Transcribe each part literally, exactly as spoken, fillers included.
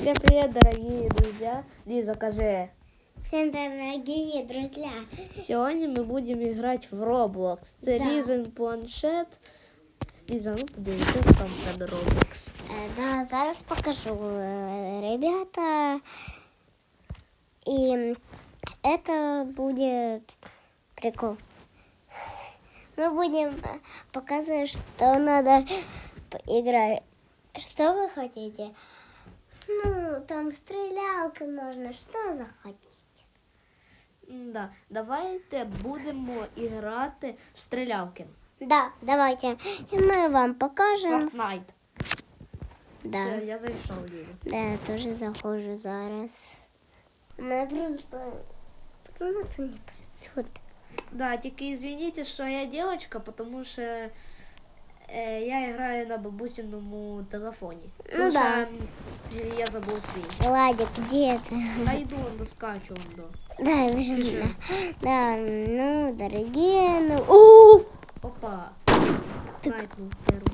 Всем привет, дорогие друзья. Лиза, скажи. Всем дорогие друзья. Сегодня мы будем играть в Roblox. Це Да. Лізин планшет. Ліза, ну подивися, що там в тебе Roblox. Э, Да, зараз покажу, э, ребята. И это будет прикол. Мы будем э, показывать, что надо играть. Что вы хотите? Ну, там стрелялкой можно, что захотите. Да, давайте будемо грати в стрілялки. Да, давайте. И мы вам покажем. Fortnite. Да. Все, я зайшов, Ліза. Да, я тоже захожу зараз. У меня просто... Ну, это не происходит. Да, тільки извините, що я дівчинка, тому що е, я граю на бабусиному телефоні. Ну Тому да. що я забув свій. Владик, где ты? Найду, доскачу. До. Да, я вижу. Пиши. Да. Да, ну, дорогие, ну... У! Опа, снайпнул первый.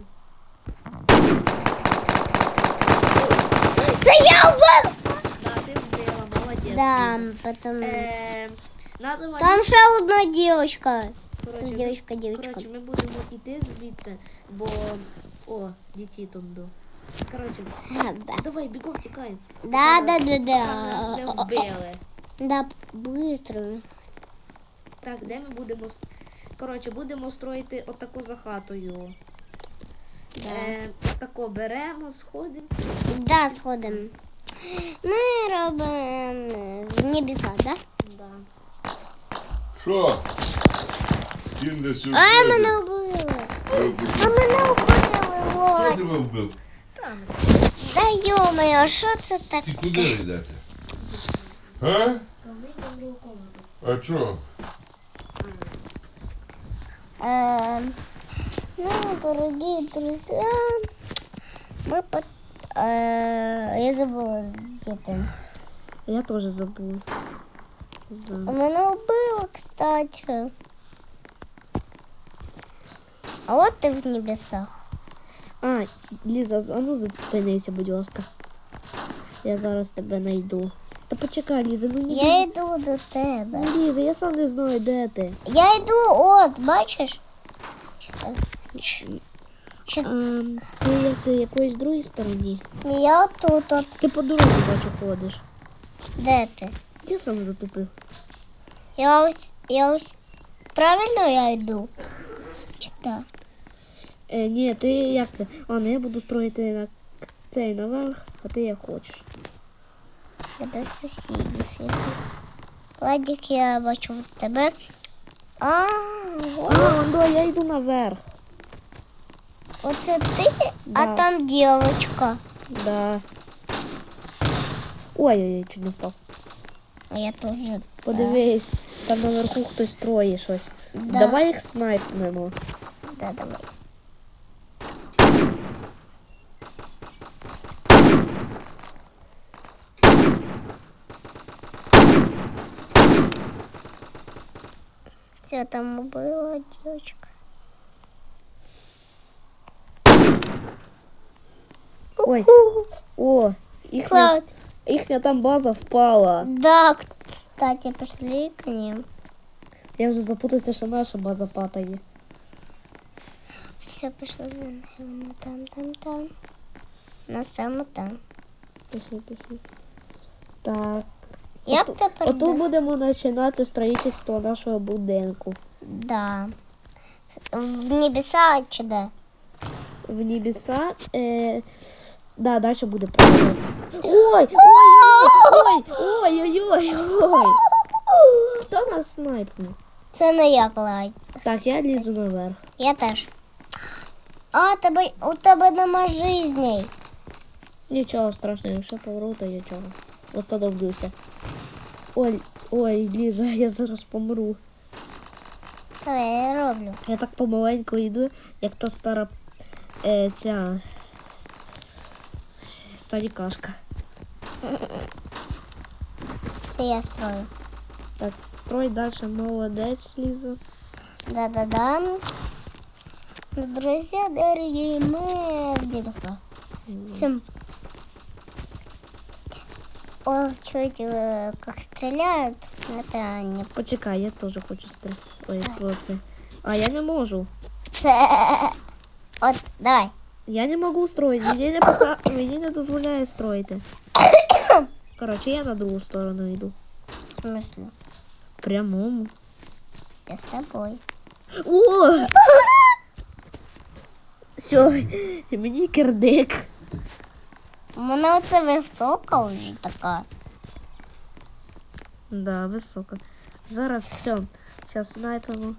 Да я убил! Да, ты вбила, молодец. Да, Лиза. потом... Е, надо вам- Там ще одна девочка. Коротше, ми- Девочка, девочка. Коротше, ми будемо йти звідси, бо... О, летить он до. Коротше, А, да. давай, бігом, тікай. Да, да, да, Нас не да. вбили. Да, быстро. Так, де ми будемо... с- Коротше, будемо строїти отаку за хатою. Да. Е, отако беремо, сходимо. Да, сходим. Ми робимо в небеса, да? Да. Що? Кіндер сюрприз. А, мене вбили. А мене вбили, Хто Володь. тебе вбив? Там. Да ё-моё, що це Ці таке? куди йдете? А? Там вийдемо в другу комнату. А чо? Э, ну, дорогие друзья, мы под... э, я забыла, где ты. Я теж забув. У меня убыло, кстати. А вот ты в небесах. А, Ліза, а ну зупинися, будь ласка. Я зараз тебе знайду. Та почекай, Ліза, ну ні. Я йду до тебе. Ну, Ліза, я сам не знаю, де ти. Я йду, от, бачиш? Ч- Чи... Ем, ти як ти якоїсь другій стороні? Я тут, от. Ти по дорозі, бачу, ходиш. Де ти? Я сам затупив. Я ось, я ось, правильно я йду? Чи так? Е, ні, ти як це? А, ну я буду строїти на цей наверх, а ти як хочеш. Тебе сусідів. Владик, я бачу тебе. А, А, ось. да, я йду наверх. Оце ти, а Да. там дівчинка. Да. Ой-ой-ой, чуть не впав. А я теж. Подивись, там наверху хтось строїть щось. Да. Давай їх снайпнемо. Да, давай. Все, там была девочка. Ой, о, їхня, Клад. їхня там база впала. Да, кстати, пошли к ним. Я вже запутався, що наша база падає. Все, пошли. Вон там, там, там. На самому там. Пішли, пішли. Так. Я Оту- б тепер... Отут да. будемо починати строїтельство нашого будинку. Да. В небеса чи де? В небеса. Е... Да, далі буде правильно. Ой! Ой! Ой! Ой! Ой! Ой! Хто нас снайпнув? Це не я, Владь. Так, я лізу наверх. Я теж. А, тебе, у тебе нема жизней. Нічого страшного, якщо помру, то нічого. Восстановлюся. Ой, ой, Ліза, я зараз помру. Давай, я роблю. Я так помаленьку йду, як та стара е, ця старікашка. Це я строю. Так, строй далі, молодець, Ліза. Да-да-да. Ну, друзья, дорогие, мы в небесах. Всем О, чуть, э, как стреляют, это не Почекай, я теж хочу стріляти. Ой, про це. А я не можу. це. От, давай. Я не можу строїти. Мені не, пока... Мені не дозволяє строїти. Коротше, я на другу сторону йду. В смысле? Прямому. Я с тобой. О! Все, мені кирдик. У мене оце висока вже така. Да, високо. Зараз все. Зараз снайпимо.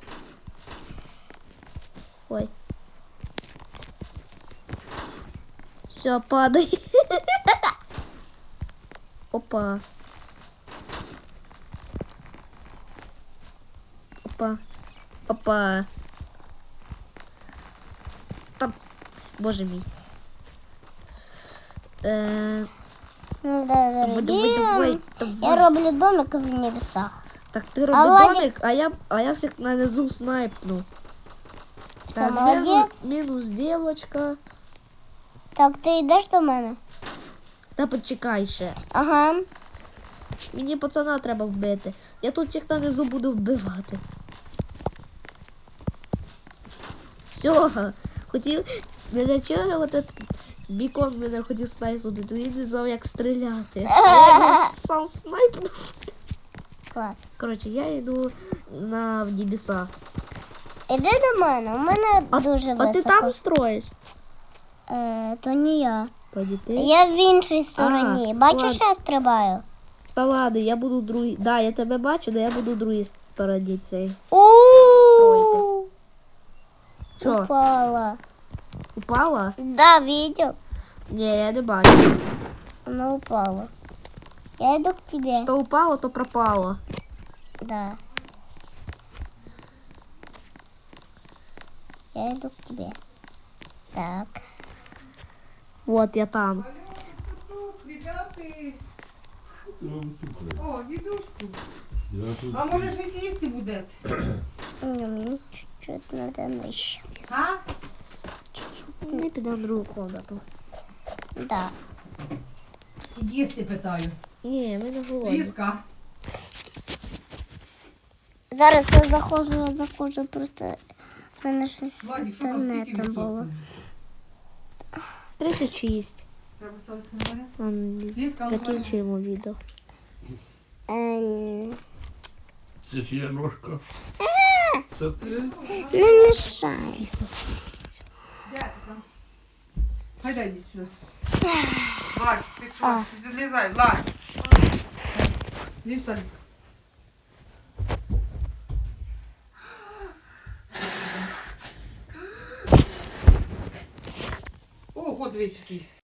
Ой. Все, падай. Опа. Опа. Опа. Там. Боже мій. Е, Ну да, давай, дорогие. давай, Я давай. роблю домик в небесах. Так ти роби Владик- домик, а я, а я всіх на низу снайпну. Все, Так, молодець. мінус, мінус девочка. Так, ти йдеш до мене? Та почекай ще. Ага. Мені пацана треба вбити. Я тут всіх на низу буду вбивати. Все, хотів. Мене чого от этот бікон мене хотів снайпнути, то він не знав, як стріляти. Я його сам снайпнув. Клас. Коротше, я йду на в небеса. Іди до мене, у мене А, дуже а високо. ти там строїш? Е, то не я. Тоді ти. Я в іншій стороні. А, Бачиш, ладно. я стрибаю? Та ладно, я буду в другій. Да, я тебе бачу, да я буду в другій стороні цей. У Що, Упала. упала? Да, видел? Ні, я не бачу. Она упала. Я иду к тебе. Що упало, то пропало. Да. Я иду к тебе. Так. Вот я там. О, дідуську. Я тут. А може щось їсти будете? Ну, мне чуть-чуть надо нижче. А? Не піде в другу комнату. Да. Їсти питаю. Ні, ми не голодні. Ліска. Зараз я заходжу, я заходжу, просто в мене щось з Владик, що там скільки інтернетом було. відсотків? тридцять шість. Треба ставити на мене? Ем, Ліска, Закінчуємо відео. Ем, Це чия ножка? Це ти? Не мішай. Де ти там? Хайда йди сюди. Влад, ти що? Ти злізай, Влад. Лізь та лізь. О, от дивись який.